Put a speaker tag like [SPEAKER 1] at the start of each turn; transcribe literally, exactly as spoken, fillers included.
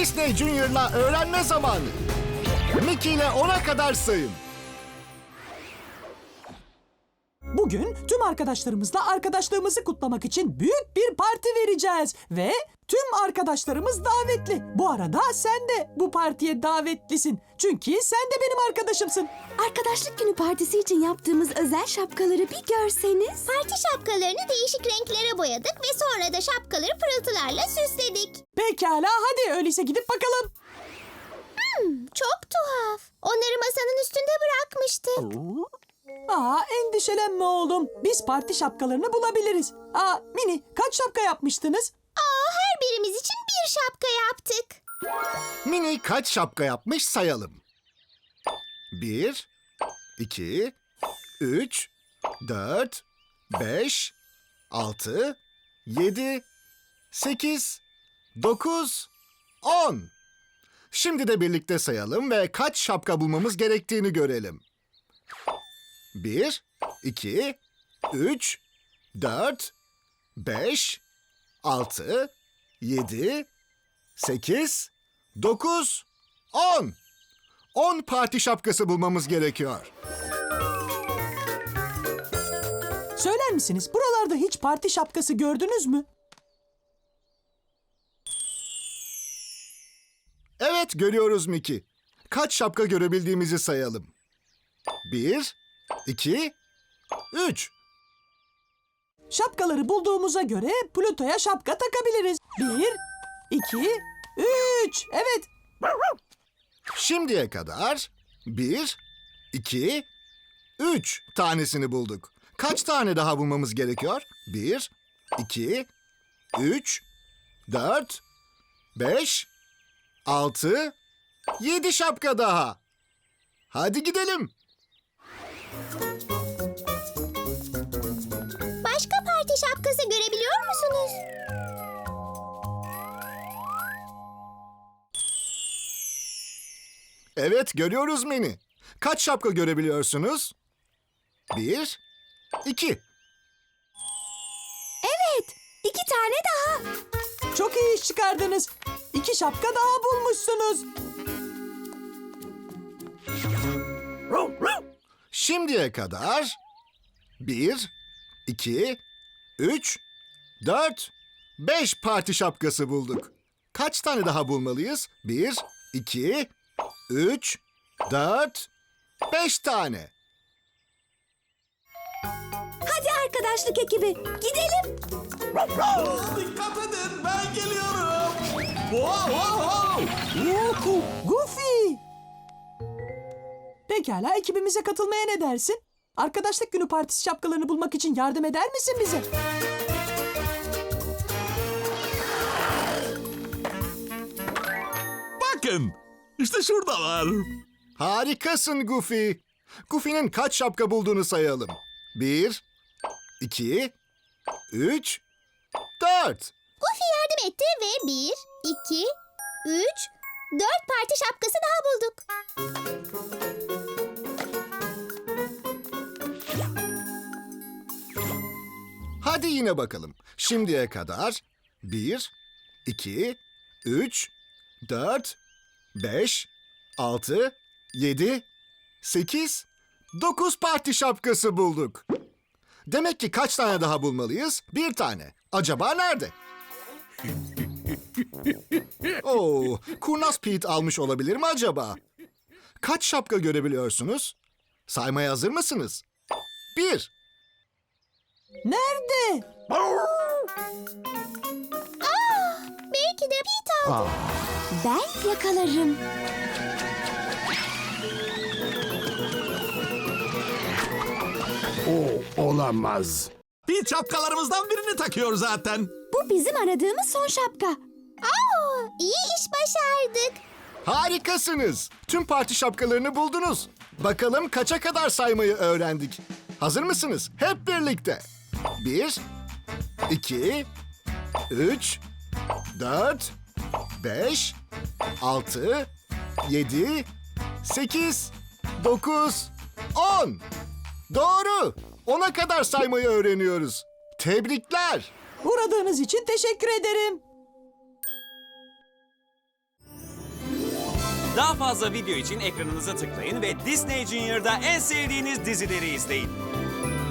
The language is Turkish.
[SPEAKER 1] Disney Junior'la öğrenme zamanı. Mickey ile ona kadar sayın.
[SPEAKER 2] Bugün tüm arkadaşlarımızla arkadaşlığımızı kutlamak için büyük bir parti vereceğiz. Ve tüm arkadaşlarımız davetli. Bu arada sen de bu partiye davetlisin. Çünkü sen de benim arkadaşımsın.
[SPEAKER 3] Arkadaşlık günü partisi için yaptığımız özel şapkaları bir görseniz.
[SPEAKER 4] Parti şapkalarını değişik renklere boyadık ve sonra da şapkaları pırıltılarla süsledik.
[SPEAKER 2] Pekala, hadi öyleyse gidip bakalım.
[SPEAKER 4] Hmm, çok tuhaf. Onları masanın üstünde bırakmıştık.
[SPEAKER 2] Aa, endişelenme oğlum. Biz parti şapkalarını bulabiliriz. Aa, Mini, kaç şapka yapmıştınız?
[SPEAKER 4] Aa, her birimiz için bir şapka yaptık.
[SPEAKER 1] Mini kaç şapka yapmış sayalım. Bir, iki, üç, dört, beş, altı, yedi, sekiz, dokuz, on. Şimdi de birlikte sayalım ve kaç şapka bulmamız gerektiğini görelim. Bir, iki, üç, dört, beş, altı, yedi, sekiz, dokuz, on. On parti şapkası bulmamız gerekiyor.
[SPEAKER 2] Söyler misiniz, buralarda hiç parti şapkası gördünüz mü?
[SPEAKER 1] Evet, görüyoruz Mickey. Kaç şapka görebildiğimizi sayalım. Bir, iki, üç.
[SPEAKER 2] Şapkaları bulduğumuza göre Pluto'ya şapka takabiliriz. Bir, iki, üç. Evet.
[SPEAKER 1] Şimdiye kadar bir, iki, üç tanesini bulduk. Kaç tane daha bulmamız gerekiyor? Bir, iki, üç, dört, beş, altı, yedi şapka daha. Hadi gidelim.
[SPEAKER 4] Başka parti şapkası görebiliyor musunuz?
[SPEAKER 1] Evet, görüyoruz Mini. Kaç şapka görebiliyorsunuz? Bir, iki.
[SPEAKER 3] Evet, iki tane daha.
[SPEAKER 2] Çok iyi iş çıkardınız. İki şapka daha bulmuşsunuz.
[SPEAKER 1] Şimdiye kadar bir, iki, üç, dört, beş parti şapkası bulduk. Kaç tane daha bulmalıyız? Bir, iki, üç, dört, beş tane.
[SPEAKER 3] Hadi arkadaşlık ekibi, gidelim.
[SPEAKER 5] Dikkat edin, ben geliyorum. Wow, wow, wow.
[SPEAKER 2] Goofy! Pekala, ekibimize katılmaya ne dersin? Arkadaşlık günü partisi şapkalarını bulmak için yardım eder misin bize?
[SPEAKER 5] Bakın, işte şuradalar.
[SPEAKER 1] Harikasın Goofy. Goofy'nin kaç şapka bulduğunu sayalım. Bir, iki, üç, dört.
[SPEAKER 4] Goofy yardım etti ve bir, iki, üç, dört parti şapkası daha bulduk.
[SPEAKER 1] Hadi yine bakalım. Şimdiye kadar bir, iki, üç, dört, beş, altı, yedi, sekiz, dokuz parti şapkası bulduk. Demek ki kaç tane daha bulmalıyız? Bir tane. Acaba nerede? Oo, kurnaz Pete almış olabilir mi acaba? Kaç şapka görebiliyorsunuz? Saymaya hazır mısınız? Bir.
[SPEAKER 2] Nerede?
[SPEAKER 4] Belki de Pete aldı.
[SPEAKER 3] Ben yakalarım.
[SPEAKER 6] O olamaz.
[SPEAKER 5] Bir şapkalarımızdan birini takıyor zaten.
[SPEAKER 3] Bu bizim aradığımız son şapka.
[SPEAKER 4] Aa, iyi iş başardık.
[SPEAKER 1] Harikasınız. Tüm parti şapkalarını buldunuz. Bakalım kaça kadar saymayı öğrendik. Hazır mısınız? Hep birlikte. Bir, iki, üç, dört, beş, altı, yedi, sekiz, dokuz, on. Doğru. Ona kadar saymayı öğreniyoruz. Tebrikler.
[SPEAKER 2] Uğradığınız için teşekkür ederim.
[SPEAKER 6] Daha fazla video için ekranınıza tıklayın ve Disney Junior'da en sevdiğiniz dizileri izleyin.